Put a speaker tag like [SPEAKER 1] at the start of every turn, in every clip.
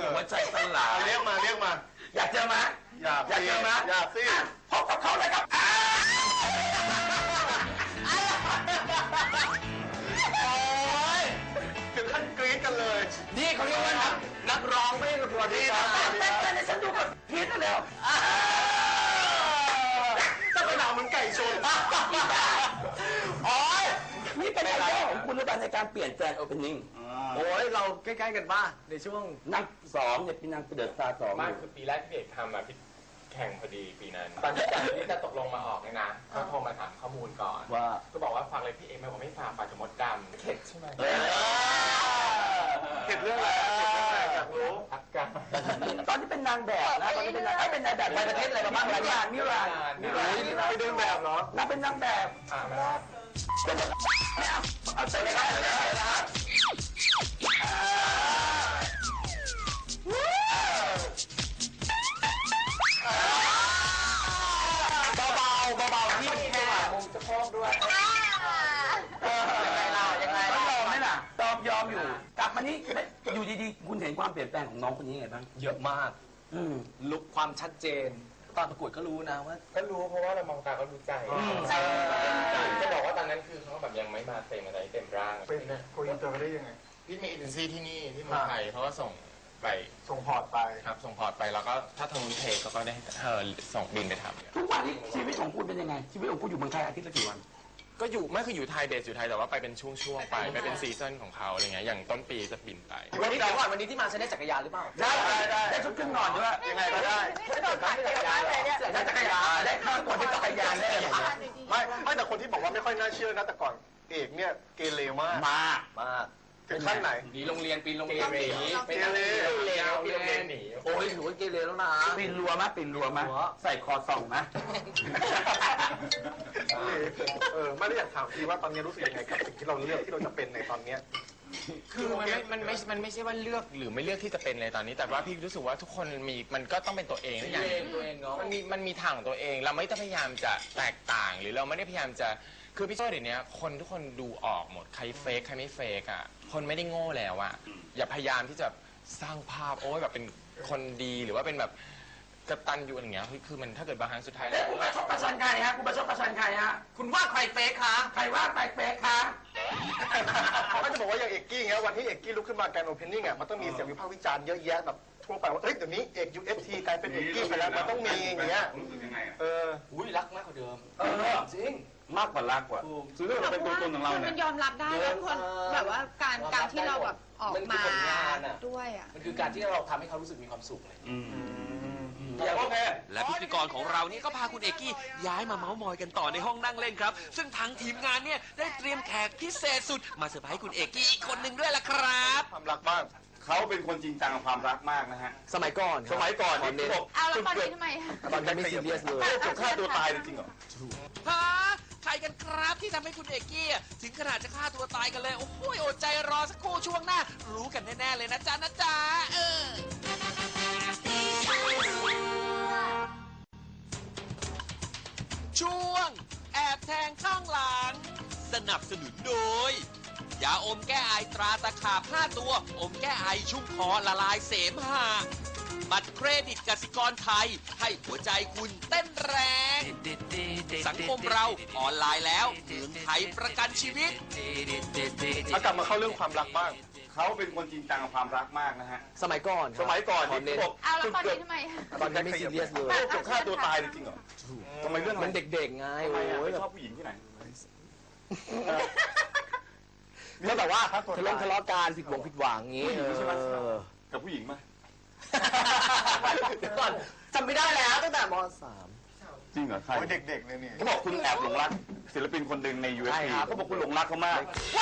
[SPEAKER 1] หัวใจสลาย
[SPEAKER 2] เรียกมา
[SPEAKER 1] อยากเจอไหมอยากเจอไหม
[SPEAKER 2] อยากสิ
[SPEAKER 1] พบกับเขาเลยครับ
[SPEAKER 2] ถึงขั้นกรี๊ดกันเลย
[SPEAKER 1] นี่เขาเรียกว่านักร้องไม่ใช่นักร้องที่แต่ฉันดูกับพีทแล้ว
[SPEAKER 2] ถ้าไปหนาวเหมือนไก่ชน
[SPEAKER 1] โอ้ยนี่เป็นไอเดียของคุณหรือเปล่าในการเปลี่ยนแปลงโอเพนนิ่ง
[SPEAKER 3] โอ้ยเราใกล้ๆกันบ้างในช่วง
[SPEAKER 1] นักสองเนี่ยเป็นนางเดือดตาสอง
[SPEAKER 4] ไม่คือปีแรกที่พี่เอกทำพี่แข่งพอดีปีนั้นตอนที่จะตกลงมาออกเนี่ยนะเขาโทรมาถามข้อมูลก่อน
[SPEAKER 1] ว่า
[SPEAKER 4] ก็บอกว่าฝากเลยพี่เอกไม่บอกไม่ฝากจะมดดำเข็ดใช่ไหม
[SPEAKER 2] เข็ดเรื่องอะไรอยากรู้
[SPEAKER 4] พักกัน
[SPEAKER 1] ตอนที่เป็นนางแบบนะตอนนี้เป็นนางแบบในประเทศอะไรบ้างมิราน
[SPEAKER 2] ไปเดินแบบเหรอน
[SPEAKER 1] างเป็นนางแบบเอาใจเลยครับเบาๆที่แค่มุมจะพองด้วยยังไงล่ะยอมไหมล่ะยอมอยู่กลับมานี่อยู่ดีๆคุณเห็นความเปลี่ยนแปลงของน้องคนนี้ไงบ้าง
[SPEAKER 3] เยอะมากลุกความชัดเจนตอนประกวดก็รู้นะว่า
[SPEAKER 4] ก็รู้เพราะว่าเรามองตาก็รู้ใจจะบอกว่าตอนนั้นคือเขาแบบยังไม่มาเต็มอะไรเต็มร่าง
[SPEAKER 2] เป็นโกอินเตอร์ได้ยังไง
[SPEAKER 4] พี่มีเอเจนซี่ที่นี่ที่เมืองไทยเขาก็ส่ง
[SPEAKER 2] พอร์ตไป
[SPEAKER 4] ครับส่งพอร์ตไปแล้วก็ถ้าทางนู้นเทเขาก็ได้ส่งบินไปทำ
[SPEAKER 1] ทุกวันนี้ชีวิตของคุณเป็นยังไงชีวิตของคุณอยู่เมืองไทยอาทิตย์ละกี่วัน
[SPEAKER 4] ก็อยู่ไม่คืออยู่ไทยเบสอยู่ไทยแต่ว่าไปเป็นช่วงๆไปเป็นซีซั่นของเขาอะไรเงี้ยอย่างต้นปีจะบินไป
[SPEAKER 3] วันนี้เดี๋ยวก่อนวันนี้ที่มาใช้ได้จักรยานหรือเปล่า
[SPEAKER 1] ได้ชุดเครื่องนอนด้วย
[SPEAKER 2] ยังไงก็ได้
[SPEAKER 1] ได้จักรยานได้ข้าวตัวเป็นจักรยานได้
[SPEAKER 2] ไม่แต่คนที่บอกว่าไม่ค่อยน่าเชื่อนะแต่ก่อนเอกเนี่ยเกเรมากถึงขั้นไหน
[SPEAKER 3] หนีโรงเรียนปีนโรงเรียนหนี
[SPEAKER 2] เกเร
[SPEAKER 3] หนีโอ้ยหนูเกเรแล้วนะ
[SPEAKER 1] ปีนรั้วมั้ยใส่คอส่องมั้ย
[SPEAKER 2] ไม่ได้อยากถามพี่ว่าตอนนี้รู้สึกยังไงกับสิ่งที่เราเลือกที่เราจะเป็นในตอนนี้
[SPEAKER 4] คือมันไม่ใช่ว่าเลือกหรือไม่เลือกที่จะเป็นเลยตอนนี้แต่ว่าพี่รู้สึกว่าทุกคนมันก็ต้องเป็นตัวเอง
[SPEAKER 3] อย่างตัวเองเนาะ
[SPEAKER 4] มันมีทางของตัวเองเราไม่ต้องพยายามจะแตกต่างหรือเราไม่ได้พยายามจะคือพี่โจ้เดี๋ยวนี้คนทุกคนดูออกหมดใครเฟกใครไม่เฟกอ่ะคนไม่ได้โง่แล้วอ่ะอย่าพยายามที่จะสร้างภาพโอ้ยแบบเป็นคนดีหรือว่าเป็นแบบกตัญญูอะไรเงี้ยคือมันถ้าเกิดบางครั้งสุดท้าย
[SPEAKER 1] แล้วคุณประชดประชันใครฮะคุณประชดประชันใครฮะ
[SPEAKER 3] คุณว่าใครเฟกคะ
[SPEAKER 1] ใครว่าใครเฟกคะ
[SPEAKER 2] ก็จะบอกว่าอย่างเอกกี้เงี้ยวันที่เอกกี้ลุกขึ้นมาการโอเพนนิ่งอ่ะมันต้องมีเสียงวิพากษ์วิจารณ์เยอะแยะแบบทั่วไปว่าเฮ้ยเดี๋ยวนี้เอก UFC กลายเป็นเอกกี้ไปแล้วมันต้องมีอย่างเงี้ย
[SPEAKER 3] อุ้ยรักมากกว่าเดิมจริง
[SPEAKER 1] มากกว่ารักกว่า
[SPEAKER 2] คือเรื่องเราเป็นตัวตนของเราเนี่ย
[SPEAKER 5] มันยอมรับได้แล้วคนแบบว่าการที่เราแบบออกมาด้วยอ่ะ
[SPEAKER 3] มันคือการที่เราทำให้เขารู้สึกมีความสุขเลย
[SPEAKER 6] และพิธีกรของเรานี่ก็พาคุณเอกกี้ย้ายมาเม้ามอยกันต่อในห้องนั่งเล่นครับซึ่งทางทีมงานเนี่ยได้เตรียมแขกพิเศษสุดมาเซอร์ไพรส์คุณเอกกี้อีกคนหนึ่งด้วยล่ะครับ
[SPEAKER 2] ความรักบ้าง
[SPEAKER 1] เขาเป็นคนจริงจังกับความรักมากนะฮะ
[SPEAKER 3] สมัยก่อน
[SPEAKER 5] นี่บอกเอาแล้วตอนนี้ทำไม
[SPEAKER 3] ตอนนี้ไม่ซีเรียสเลย
[SPEAKER 2] จะฆ่าตัวตายจริงเหรอ
[SPEAKER 6] ฮะใครกันครับที่ทำให้คุณเอกกี้ถึงขนาดจะฆ่าตัวตายกันเลยโอ้โหอดใจรอสักครู่ช่วงหน้ารู้กันแน่ๆเลยนะจ๊ะช่วงแอบแทงข้างหลังสนับสนุนโดยยาอมแก้ไอตราตะขาบ5ตัวอมแก้ไอชุ่มคอละลายเสมหะบัตรเครดิตกสิกรไทยให้หัวใจคุณเต้นแรงสังคมเราออนไลน์แล้วเมืองไทยประกันชีวิต
[SPEAKER 2] กลับมาเข้าเรื่องความรักบ้าง
[SPEAKER 1] เขาเป็นคนจริงจังกับความรักมากนะฮะ
[SPEAKER 3] สมัยก่อน
[SPEAKER 2] ที่บอก
[SPEAKER 5] เอาแล้วตอนนี้ทำไม
[SPEAKER 3] ตอนนี้ไม่ซีเรียสเลย
[SPEAKER 2] จะฆ่าตัวตายจริงเหรอ
[SPEAKER 1] ทำไมเรื่อง
[SPEAKER 3] มันเด็กๆไงโอ้ย
[SPEAKER 1] ชอบผู้หญิงที่ไหน
[SPEAKER 3] ก็แบบว่าทะเลาะกันผิดหวังงี้
[SPEAKER 1] ใช่ไหมกับผู้หญิงไหม
[SPEAKER 3] เดี๋ยวก่อนจำไม่ได้แล้วตั้งแต่ม
[SPEAKER 1] .3 จริงเหรอใคร
[SPEAKER 2] เด็กๆเลยนี่
[SPEAKER 1] เขาบอกคุณแอบหลงรักศิลปินคนหนึ่งใน UFC เขาบอกคุณหลงรักเขามาก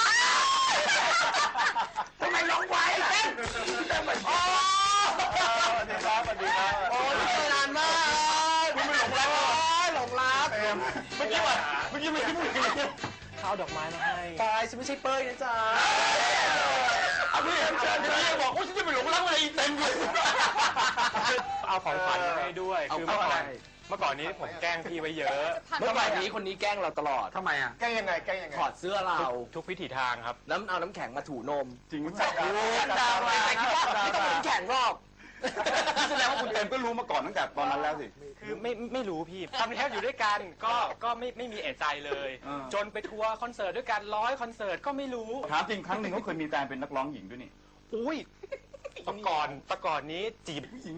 [SPEAKER 1] ทำไมหลงไว้เต้น
[SPEAKER 2] โอ้สวัสดีครับ
[SPEAKER 3] โอ้ยนานมาก
[SPEAKER 1] คุณไม่หลงรักเมื่อกี้ไม่คิดเลย
[SPEAKER 3] ข้าวดอกไม้มาให้ตายฉันไม่ใช่เป้ยนะจ๊ะ
[SPEAKER 1] พี่เชิญบอกว่าฉันจะไปหลงรักอะไรเต็มเลย
[SPEAKER 4] เอาของขวัญมาให้ด้วยคือเมื่อก่อนนี้ผมแกล้งพี่ไว้เยอะ
[SPEAKER 3] เมื่อก่อนนี้คนนี้แกล้งเราตลอด
[SPEAKER 1] ทำไมอ่ะ
[SPEAKER 2] แกล้งยังไง
[SPEAKER 3] ถอดเสื้อเรา
[SPEAKER 4] ทุกวิถีทางครับ
[SPEAKER 3] เอาน้ำแข็งมาถูนม
[SPEAKER 1] จริงมั้ย
[SPEAKER 3] ดาวอะไรคิดว่าไม่ต้องน้ำแข็งหรอก
[SPEAKER 7] แสดงว่าคุณเอมก็รู้มาก่อนตั้งแต่ตอนนั้นแล้วสิ
[SPEAKER 8] คือไม่รู้พี่ทำเทปอยู่ด้วยกันก็ไม่มีเอะใจเลย จนไปทัวร์คอนเสิร์ตด้วยกัน100คอนเสิร์ตก็ไม่รู้
[SPEAKER 7] ถามจริงครั้งหนึ่งเขาเคยมีแฟนเป็นนักร้องหญิงด้วยนี่
[SPEAKER 8] อุ้ยแต่ก่อนนี้จีบ
[SPEAKER 7] ผู้หญิง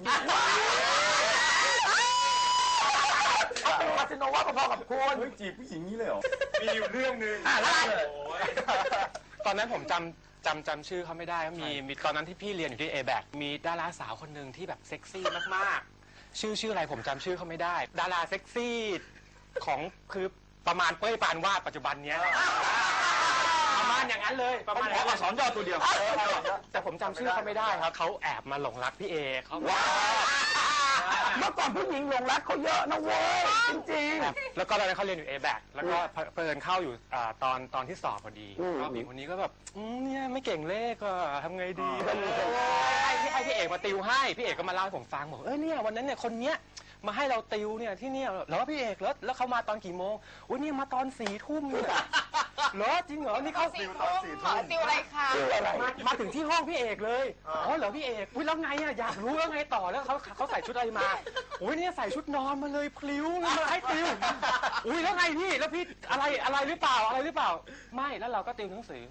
[SPEAKER 1] คาสิโนว่าพอๆกับคุณ
[SPEAKER 7] เฮ้ยจีบผู้หญิงนี้เลยเหรอ
[SPEAKER 8] มีอยู่เรื่องหนึง
[SPEAKER 1] แล้วเลย
[SPEAKER 8] ตอนนั้นผมจำชื่อเขาไม่ได้มีตอนนั้นที่พี่เรียนอยู่ที่ A-Back มีดาราสาวคนหนึ่งที่แบบเซ็กซี่มากๆชื่ออะไรผมจำชื่อเขาไม่ได้ ดาราเซ็กซี่ของคือประมาณเป้ยปานวาดปัจจุบันเนี้ยประมาณอย่างนั้นเลยประมาณ
[SPEAKER 7] ขออักษรย่อตัวเดียว
[SPEAKER 8] แต่ผมจำชื่อเขาไม่ได้ครับเขาแอบมาหลงรักพี่เอเขา
[SPEAKER 1] เมื่อก่อนผู้หญิงหลงรักเขาเยอะนะเว้ยจริง
[SPEAKER 8] แล้วก็ตอนนั้นเขาเรียนอยู่ A-Back แล้วก็เพิ่นเข้าอยู่ตอนที่สอบพอดีก็ผู้หญิงคนนี้ก็แบบเนี่ยไม่เก่งเลขอะทำไงดีให้พี่เอกมาติวให้พี่เอกก็มาเล่าให้ผมฟังบอกเนี่ยวันนั้นเนี่ยคนเนี้ยมาให้เราติวเนี่ยที่เนี่ยเหรอพี่เอกแล้วเขามาตอนกี่โมงอุ้ยเนี่ยมาตอน4 ทุ่มเนี่ยเหรอจริงเหรอนี่เขา
[SPEAKER 5] ติวอะไรคะ
[SPEAKER 8] มาถึงที่ห้องพี่เอกเลยอ๋อเหรอพี่เอกอุ้ยแล้วไงอะอยากรู้แล้วไงต่อแล้วเขาใส่ชุดอะไรมาอุ้ยเนี่ยใส่ชุดนอนมาเลยพลิ้วมาให้ติวอุ้ยแล้วไงพี่แล้วพี่อะไรหรือเปล่าไม่แล้วเราก็ติวหนังสือ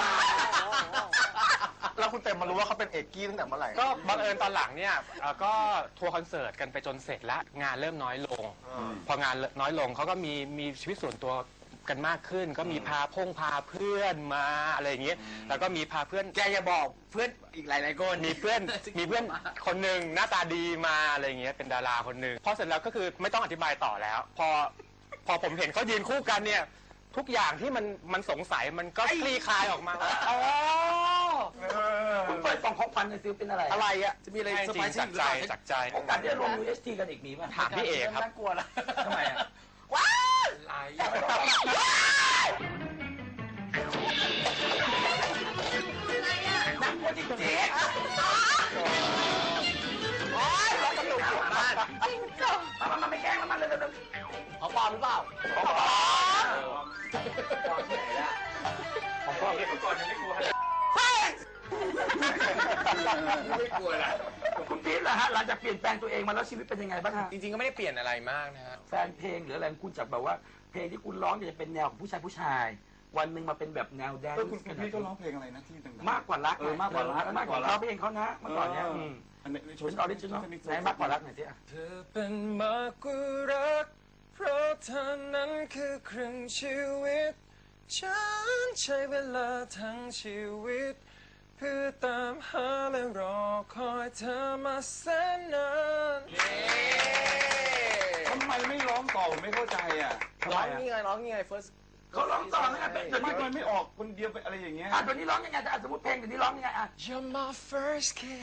[SPEAKER 2] แล้วคุณเต็มมารู้ว่าเขาเป็นเอกกี้ตั้งแต่เมื่อไหร่
[SPEAKER 8] ก็บังเอิญตอนหลังเนี่ยก็ทัวร์คอนเสิร์ตกันไปจนเสร็จแล้วงานเริ่มน้อยลง พองานน้อยลงเขาก็มีชีวิตส่วนตัวกันมากขึ้น ก็มีพาเพื่อนมาอะไรอย่างเงี้ยแล้วก็มีพาเพื่อน
[SPEAKER 3] แกอย่าบอกเพื่อนอีกหลายๆคน
[SPEAKER 8] มีเพื่อนคนหนึ่งหน้าตาดีมาอะไรอย่างเงี้ยเป็นดาราคนหนึ่งพอเสร็จแล้วก็คือไม่ต้องอธิบายต่อแล้ว พอผมเห็นเขายืนคู่กันเนี่ยทุกอย่างที่มันสงสัยมันก็คลี่คลายออกมาอ๋อ
[SPEAKER 1] ๆคุณเปิดกล่องของขวัญในอยซิเป็นอะไร
[SPEAKER 2] อะไรอ่ะ
[SPEAKER 3] จะมีอะไร
[SPEAKER 8] จ
[SPEAKER 3] เซอร์
[SPEAKER 8] ริ
[SPEAKER 3] ไพ
[SPEAKER 8] ง
[SPEAKER 3] รส์
[SPEAKER 8] จากใจ
[SPEAKER 3] หรือเปล่า
[SPEAKER 8] จากใจ
[SPEAKER 1] โอกาสได้รวม UST กันอีกมีป่ะ
[SPEAKER 8] ถามพี่เอกครับ
[SPEAKER 3] น่ากลัวนะ
[SPEAKER 1] ทำไมอ่ะ
[SPEAKER 3] หลาย
[SPEAKER 1] นักกลัวจริงๆโอ๊ยเราสนุกอยู่บ้านมันไม่แกล้งมันเลย
[SPEAKER 3] เขาปลอมหรือเปล่า
[SPEAKER 1] ของพ่อของพ่อเมื่อก่อนยังไม่กลัวไม่กลัวละคุณพีทล่ะฮะหลังจากเปลี่ยนแปลงตัวเองมาแล้วชีวิตเป็นยังไงบ้างฮะ
[SPEAKER 4] จริงๆก็ไม่ได้เปลี่ยนอะไรมากนะฮะ
[SPEAKER 1] แฟนเพลงหรืออะไรของคุณจากแบบว่าเพลงที่คุณร้องจะเป็นแนวของผู้ชาย วันหนึ่งมาเป็นแบบแนวแดนซ์
[SPEAKER 7] คุณพี่ก็ร้องเพลงอะไรนะที่ดังๆ
[SPEAKER 1] มากกว่ารัก
[SPEAKER 7] มากกว่ารัก
[SPEAKER 1] มากกว่ารักเพลงเขานะเมื่อก่อนเนี้ย
[SPEAKER 7] อันนี้โช
[SPEAKER 1] เป็นออริจินอลไหนมากกว่ารักหน่อยสิ
[SPEAKER 8] เธอเป็นมากกว่ารักเพราะเธอนั้นคือครึ่งชีวิตฉันใช้เวลาทั้งชีวิตเพื่อตามหาและรอคอยเธอมาแสนนาน
[SPEAKER 7] ทำไมไม่ร้องต่อผมไม่เข้าใจอ่ะ
[SPEAKER 3] ร้องนี่ไง first
[SPEAKER 1] เขาร้องต่อแล้วไงเดี๋ยว
[SPEAKER 7] ไม่
[SPEAKER 1] นี้
[SPEAKER 7] ทำไมไม่ออกคนเดียวไปอะไรอย่างเงี้ย
[SPEAKER 1] เดี๋ยวนี้ร้องยังไงแต่สมมติเพลงเดี๋ยวนี้ร้องยังไงอ่ะ
[SPEAKER 8] You're my first kiss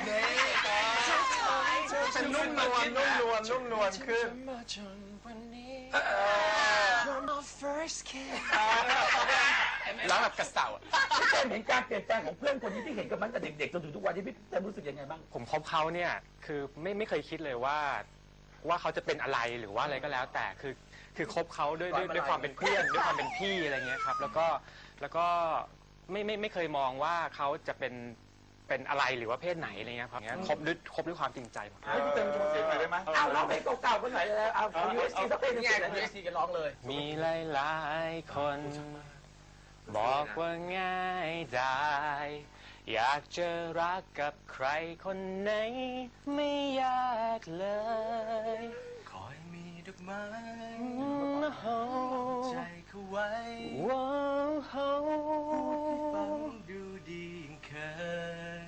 [SPEAKER 2] เป็นนุ่มนวลขึ้น
[SPEAKER 8] มาจนวันนี้ You're my first kiss ร้องแบบกระเสา
[SPEAKER 1] พี่เต้นเห็นการเปลี่ยนแปลงของเพื่อนคนนี้ที่เห็นกันมาตั้งแต่เด็กๆจนถึงทุกวันที่พี่เต้นรู้สึกยังไงบ้าง
[SPEAKER 8] ผมคบเขาเนี่ยคือไม่เคยคิดเลยว่าเขาจะเป็นอะไรหรือว่าอะไรก็แล้ว แต่คือคบเขาด้วยความเป็นเพื่อนด้วยความเป็นพี่อะไรเงี้ยครับแล้วก็ไม่เคยมองว่าเขาจะเป็นอะไรหรือว่าเพศไหนอะไรเงี้ยครับคบด้วยความจริงใจ
[SPEAKER 7] ให้พี่เต็มโชว์เสียงหน่อยได้ไหม
[SPEAKER 1] เอาร้องเพลงเก่าๆกันหน่อยเลยเอา UST สักเพลงหนึง
[SPEAKER 3] นี่ไง
[SPEAKER 1] สิ
[SPEAKER 3] ของ USC กันร้องเลย
[SPEAKER 8] มีหลายๆคน บอกว่าง่ายได้อยากจะรักกับใครคนไหนไม่ยากเลยขอให้มีดอกไม้ใจเขาไว้ฟังดูดีเคย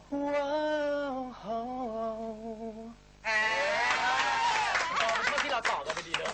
[SPEAKER 3] ที่เราต่อกันไปดีเนอะ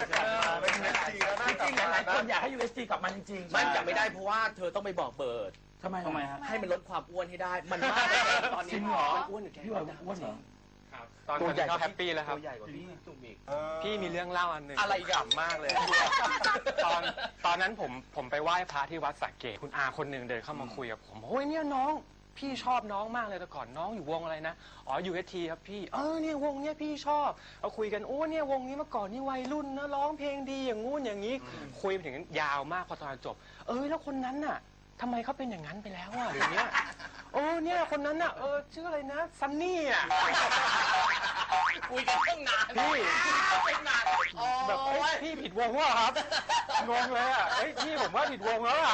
[SPEAKER 1] จริงๆหลายๆคนอยากให้ UST กลับมาจริงๆ
[SPEAKER 3] มันจะไม่ได้เพราะว่าเธอต้องไปบอกเบิร์ด
[SPEAKER 1] ทำไม
[SPEAKER 7] ทำไมฮะ
[SPEAKER 3] ให้มันลดความอ้วนให้ได้ มันมากตอนนี้มันอ้วนอยู่แค่
[SPEAKER 1] พี่ว่าอ้วนเหรอ
[SPEAKER 8] ตอนนี้เขาแฮปปี้แล้วครับ
[SPEAKER 3] ตัวใหญ่กว่าพี่ตุ่มอีก
[SPEAKER 8] พี่มีเรื่องเล่าอันหนึ่ง
[SPEAKER 3] อะไรอีกอะ
[SPEAKER 8] ขำมากเลย ตอนนั้นผมไปไหว้พระที่วัดสระเกตคุณอาคนหนึ่งเดินเข้ามาคุยกับผมโอ้ยเนี่ยน้องพี่ชอบน้องมากเลยแต่ก่อนน้องอยู่วงอะไรนะอ๋อ UST ครับพี่เนี่ยวงเนี้ยพี่ชอบเอาคุยกันโอ้เนี่ยวงนี้เมื่อก่อนนี่วัยรุ่นนะร้องเพลงดีอย่างงู้นอย่างนี้คุยไปถึงยาวมากพอตอนจบแล้วคนนั้นน่ะทำไมเขาเป็นอย่างนั้นไปแล้วอ่ะอย่างเงี้ยโอ้เนี่ยคนนั้นน่ะชื่ออะไรนะซันนี่อ่ะ
[SPEAKER 3] คุยกันตั้งนาน
[SPEAKER 8] พี่
[SPEAKER 3] ตั้งนานโอ้
[SPEAKER 8] แบบเฮ้ย
[SPEAKER 3] ย
[SPEAKER 8] พี่ผิดวงว่ะครับงงเลยอ่ะเฮ้ยพี่ผมว่าผิดวงแล้วอ่ะ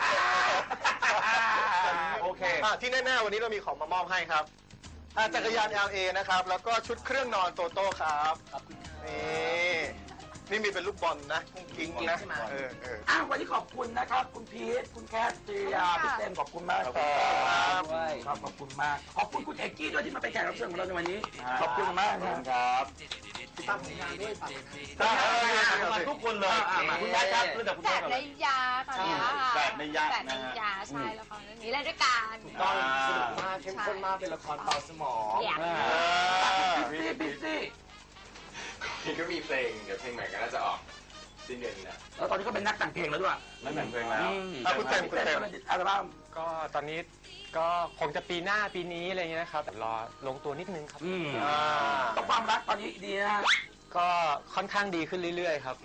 [SPEAKER 7] โอเค
[SPEAKER 2] ที่แน่ๆวันนี้เรามีของมามอบให้ครับจักรยาน LA นะครับ แล้วก็ชุดเครื่องนอนโตโต้ครับ
[SPEAKER 3] ขอบคุณครับ
[SPEAKER 2] นี่มีเป็นลูกบอลนะกุ้งกิ้งนะ
[SPEAKER 3] ใช่ไหม
[SPEAKER 1] วันนี้ขอบคุณนะครับ คุณพีทคุณแคทเจียพี่เต้นขอบคุณมากครับ
[SPEAKER 3] ด้วย
[SPEAKER 1] ครับขอบคุณมาก ขอบคุณคุณเอกกี้ด้วยที่มาเป็นแขกรับเชิญของเราในวันนี้ ขอบคุณมากครับ
[SPEAKER 7] ครับ
[SPEAKER 3] ตามผลงานด้วยฝากผลงาน
[SPEAKER 7] มาทุกคนเลย
[SPEAKER 1] มาคุณยายครับเรื่องจากคุณ
[SPEAKER 5] แฝ
[SPEAKER 1] แม่
[SPEAKER 5] ด
[SPEAKER 1] ก่อน
[SPEAKER 5] ใน
[SPEAKER 1] เลย
[SPEAKER 5] ยาค่ะเนี่ยค่ะ
[SPEAKER 7] แฝดในยา
[SPEAKER 5] แฝดในยาใช่ละครเรื่องนี้เล่นด้วยกัน
[SPEAKER 3] ตอนสนุกมากเข้มข้นมากเป็นละครเบาสมอง
[SPEAKER 5] เนี่ย
[SPEAKER 1] พี่ซี่
[SPEAKER 4] พี่ก็มีเพลงเดี๋ยวเพลงใหม่ก็น่าจะออกสิ้นเดือนนี้นะ
[SPEAKER 1] แล้วตอนนี้ก็เป็นนักแต่งเพลงแล้วด้วย
[SPEAKER 7] นั่นแต่งเพลงแล้ว
[SPEAKER 2] คุณเต็ม
[SPEAKER 1] อัลบั้ม
[SPEAKER 8] ก็ตอนนี้ก็คงจะปีหน้าปีนี้อะไรเงี้ยนะครับแต่รอลงตัวนิดนึงครับ
[SPEAKER 1] ก็ความรักตอนนี้ดีนะ
[SPEAKER 8] ก็ค่อนข้างดีขึ้นเรื่อยๆครับ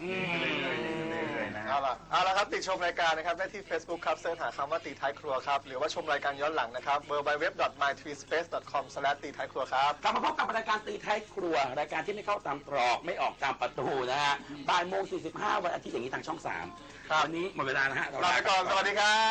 [SPEAKER 2] เอาละครับติดชมรายการนะครับได้ที่ Facebook ครับเสิร์ชหาคำว่าตีท้ายครัวครับหรือว่าชมรายการย้อนหลังนะครับ www.mytreespace.com/ ตีท้ายครัวครับ
[SPEAKER 1] กลับมาพบกับรายการตีท้ายครัว รายการที่ไม่เข้าตามตรอกไม่ออกตามประตูนะฮะบ่ายโมง 45 วันอาทิตย์อย่างนี้ทางช่อง 3 วันนี้หมดเวลานะฮะ
[SPEAKER 2] ลาไปก่อนสวัสดีครับ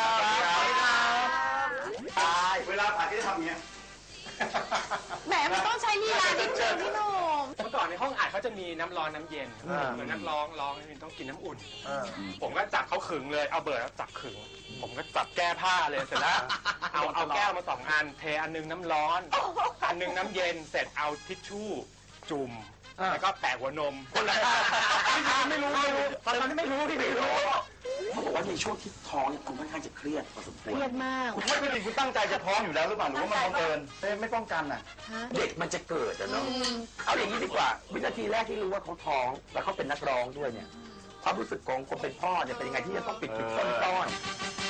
[SPEAKER 7] เวลาผ่านก็จะทำอย่างเงี้ย
[SPEAKER 5] แหมมันต้องใช้ลีลานิดนึงพี่หนุ่ม
[SPEAKER 8] เมื่อก่อนในห้องอัดเขาจะมีน้ำร้อนน้ำเย็นเหมือนนักร้องต้องกินน้ำอุ่น ผมก็จับเขาขึงเลยเอาเบิร์ดจับขึง ผมก็จับแก้ผ้าเลยเสร็จแล้วเอาแก้วมา2 อันเทอันนึงน้ำร้อน อันนึงน้ำเย็นเสร็จเอาทิชชู่จุ่มแล้วก็แปะหัวนมคนละไม่รู้ตอนนั้นไม่รู้พี่ไม่รู้
[SPEAKER 1] เขาบอกว่าในช่วงที่ท้องเนี่ยคุณค่อนข้างจะเครียดพอสมควร
[SPEAKER 5] เครียดมาก
[SPEAKER 7] คุณไม่เป็นจริงคุณตั้งใจจะท้องอยู่แล้วหรือเปล่าหรือว่ามันบังเอิญไม่ป้องกันอ่ะ
[SPEAKER 1] เด็กมันจะเกิดอะเนาะเอาอย่างนี้ดีกว่า วินาทีแรกที่รู้ว่าเขาท้องแล้วเขาเป็นนักร้องด้วยเนี่ยความรู้สึกของคนเป็นพ่อเนี่ยเป็นยังไงที่จะต้องปิดซ่อน